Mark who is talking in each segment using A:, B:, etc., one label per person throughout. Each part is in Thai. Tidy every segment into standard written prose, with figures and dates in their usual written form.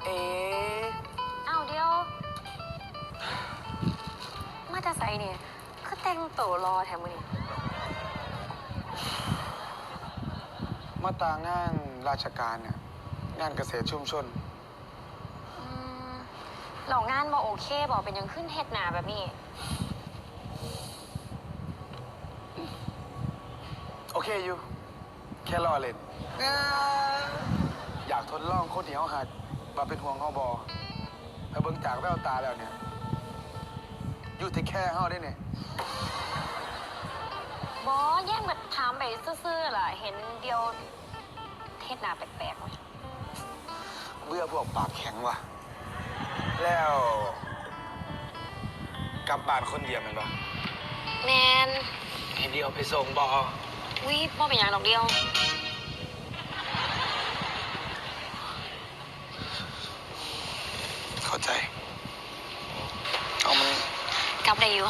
A: เอ๊ะ
B: อ้าวเดียวมาจะใส่เนี่ยคือแต่งตัวรอแถมมือนี่
A: มาตางานราชการเนี่ยงานเกษตรชุมชน
B: เรางานบ่โอเคบอกเป็นยังขึ้นเฮ็ดหนาแบบนี้
A: โอเคอยู่แค่รอเล่นอยากทดลองคนที่เขาหักมาเป็นห่วงเขาบอแต่เบิ่งจากแววตาแล้วเนี่ยอยู่ที่แค่เขาได้เนี่ย
B: บอแย่งแบบถามไปซื่อๆล่ะเห็นเดียวเฮ็ดหนาแปลกๆไหม
A: เบื่อพวกปากแข็งว่ะแล้วกลับบ้านคนเดียวแมันปะ
B: แนน
A: ให้เดียวไปส่งบอ
B: วิบอเป็นอย่างดอกเดียว
A: เข้าใจเอามัน
B: กลับได้อยู่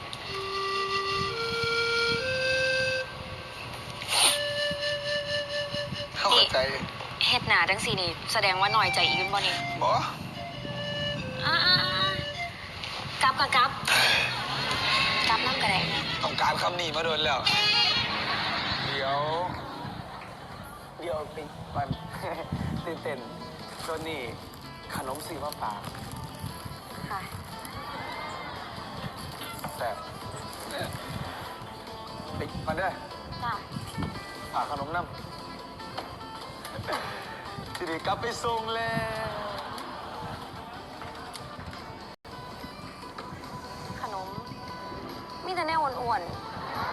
A: เข้าใจ
B: เฮ็ดหนาจังสี่นี่แสดงว่าหน่อยใจอีกบ่นี่
A: บอ
B: อ่ากลับกลับน้ำกระแดง
A: ต้องการคำนี้มาโดนแล้ว เดี๋ยวปิดมัน ตื่นเต้นโดนนี่ขนมสีมาฝาก
B: ค่ะ
A: แต่ปิดมันได้
B: จ้า
A: ฝากขนมน้ำทีนี้กลับไปส่งแล้ว
B: ขนมมีแต่แนวอ้วนๆ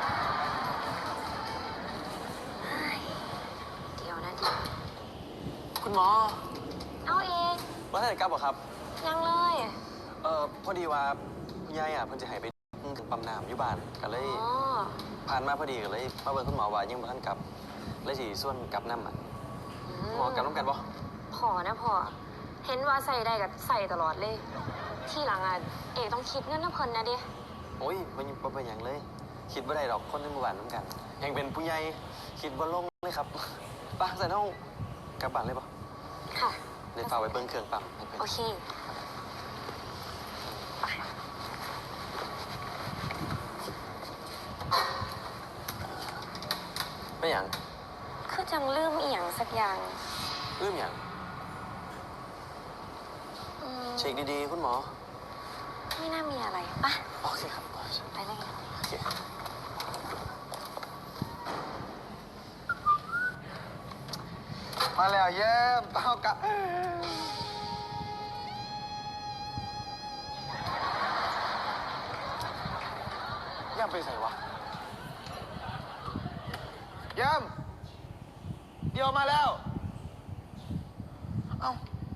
B: เฮ้ยเดี๋ยวนะเดี๋ยว
C: คุณหมอ
B: เอาเอง
C: ว่าท่านกลับเหรอครับ
B: ยังเลย
C: พอดีว่าคุณยายเพิ่นจะให้ไปถึงปั๊มน้ำอยู่บ้านก็เลย
B: อ๋อ
C: ผ่านมาพอดีก็เลยมาเบิ่งคุณหมอว่ายังบ่ทันกลับเลยสิส่วนกลับน้ำหมอกลับน้ำกันบ่
B: พอนะพอ เห็นว่าใส่ได้กับใส่ตลอดเลย ที่หลังอ่ะเอกต้องคิดเงินน้ำเพลินนะดิ
C: โอ้ยบ่เป็นหยังเลย คิดบ่ได้ดอกคนในหมู่บ้านน้ำกันยังเป็นผู้ใหญ่คิดบ่ลงเลยครับไป้าใส่เฮากลับบ้านเลยบ่
B: ค่ะ
C: เดี๋ยวฝากไปเบิ่งเครื่องปั๊มให้เพิ่น
B: โอเคไป
C: เป็นหยัง
B: คือจังลืมอีหยังสักอย่าง
C: ลืมหยัง
B: อืม
C: เช็คดีๆคุณหมอ
B: ไม่น่ามีอะไรปะ
C: โอเคครับ
B: ไปเลย
C: โอเค
A: มาแล้วเย้มเอากะย่ำไปใส่วะย่ำเดี๋ยวมาแล้ว เอ้า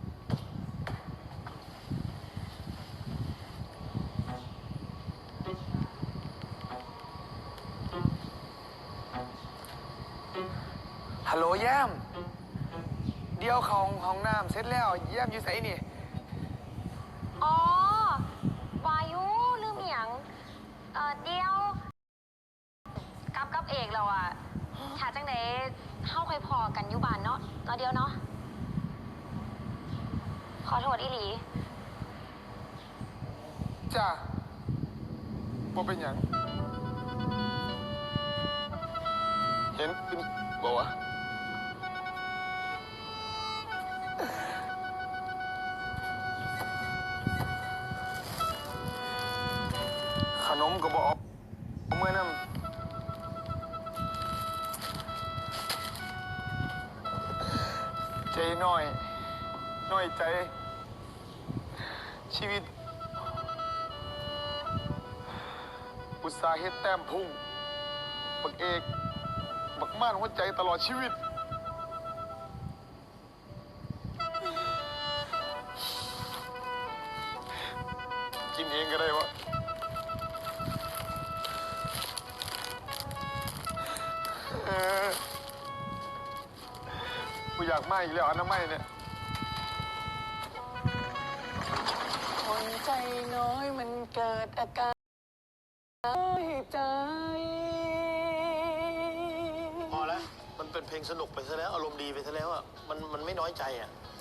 A: ฮัลโหลแย้มเดี๋ยวเขาห้องน้ำเสร็จแล้วแย้มอยู่ไสนี่
B: อ๋อ วายุลืมอีหยังเดียวกับเอกเราอะถ้าจังไดเข้าค่อยพอกันอยู่บ้านเนาะเราเดียวเนาะ ขอโทษอีหลี
A: จ้าบ่เป็นหยัง เห็นบอกว่าขนมก็บอกเมื่อนั้นใจน้อยใจ ชีวิต อุตสาห์เฮ็ดแต้มพุ่ง บักเอก บักม่านหัวใจตลอดชีวิต กินเองก็ได้วะกูอยากมาอีกแล้วอนามัยเนี่ย
D: คนใจน้อยมันเกิดอาการน้อยใจ
E: พอแล้ว มันเป็นเพลงสนุกไปซะแล้ว อารมณ์ดีไปซะแล้วอ่ะ มันไม่น้อยใจอ่ะ